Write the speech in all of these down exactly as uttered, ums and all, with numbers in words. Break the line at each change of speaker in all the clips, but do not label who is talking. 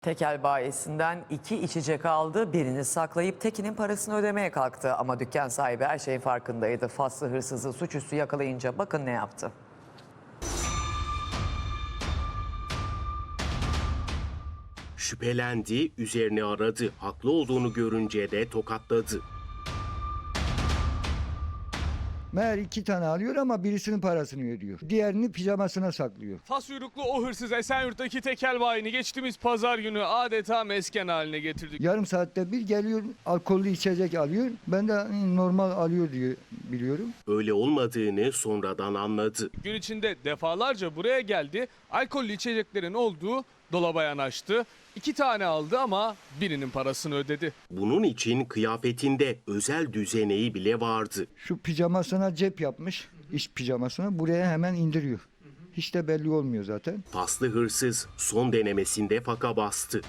Tekel bayisinden iki içecek aldı, birini saklayıp tekinin parasını ödemeye kalktı. Ama dükkan sahibi her şeyin farkındaydı. Faslı hırsızı suçüstü yakalayınca bakın ne yaptı.
Şüphelendi, üzerine aradı. Haklı olduğunu görünce de tokatladı.
Meğer iki tane alıyor ama birisinin parasını ödüyor. Diğerini pijamasına saklıyor.
Fas uyruklu o hırsız Esenyurt'taki tekel bayini geçtiğimiz pazar günü adeta mesken haline getirdi.
Yarım saatte bir geliyor, alkollü içecek alıyor. Ben de normal alıyor diye biliyorum.
Öyle olmadığını sonradan anladı.
Gün içinde defalarca buraya geldi, alkollü içeceklerin olduğu dolaba yanaştı. İki tane aldı ama birinin parasını ödedi.
Bunun için kıyafetinde özel düzeneği bile vardı.
Şu pijamasına cep yapmış, iş pijamasına buraya hemen indiriyor. Hiç de belli olmuyor zaten.
Faslı hırsız son denemesinde faka bastı.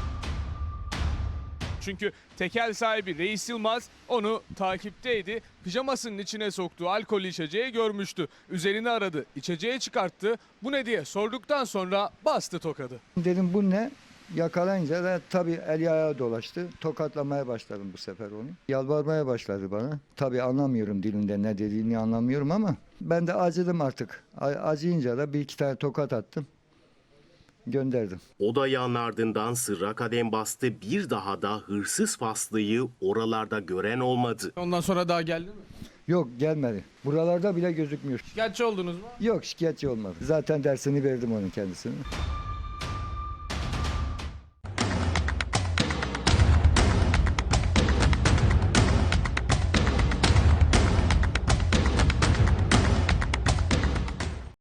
Çünkü tekel sahibi Reis Yılmaz onu takipteydi. Pijamasının içine soktuğu alkollü içeceği görmüştü. Üzerini aradı, içeceği çıkarttı. Bu ne diye sorduktan sonra bastı tokadı.
Dedim bu ne? Yakalayınca da tabii eli ayağı dolaştı. Tokatlamaya başladım bu sefer onu. Yalvarmaya başladı bana. Tabii anlamıyorum dilinde ne dediğini anlamıyorum ama ben de acıdım artık. A- Acıyınca da bir iki tane tokat attım. Gönderdim.
O dayağın ardından sırra kadem bastı. Bir daha da hırsız Faslı'yı oralarda gören olmadı.
Ondan sonra daha geldi mi?
Yok gelmedi. Buralarda bile gözükmüyor.
Gerçi oldunuz mu?
Yok şikayetçi olmadı. Zaten dersini verdim onun kendisine.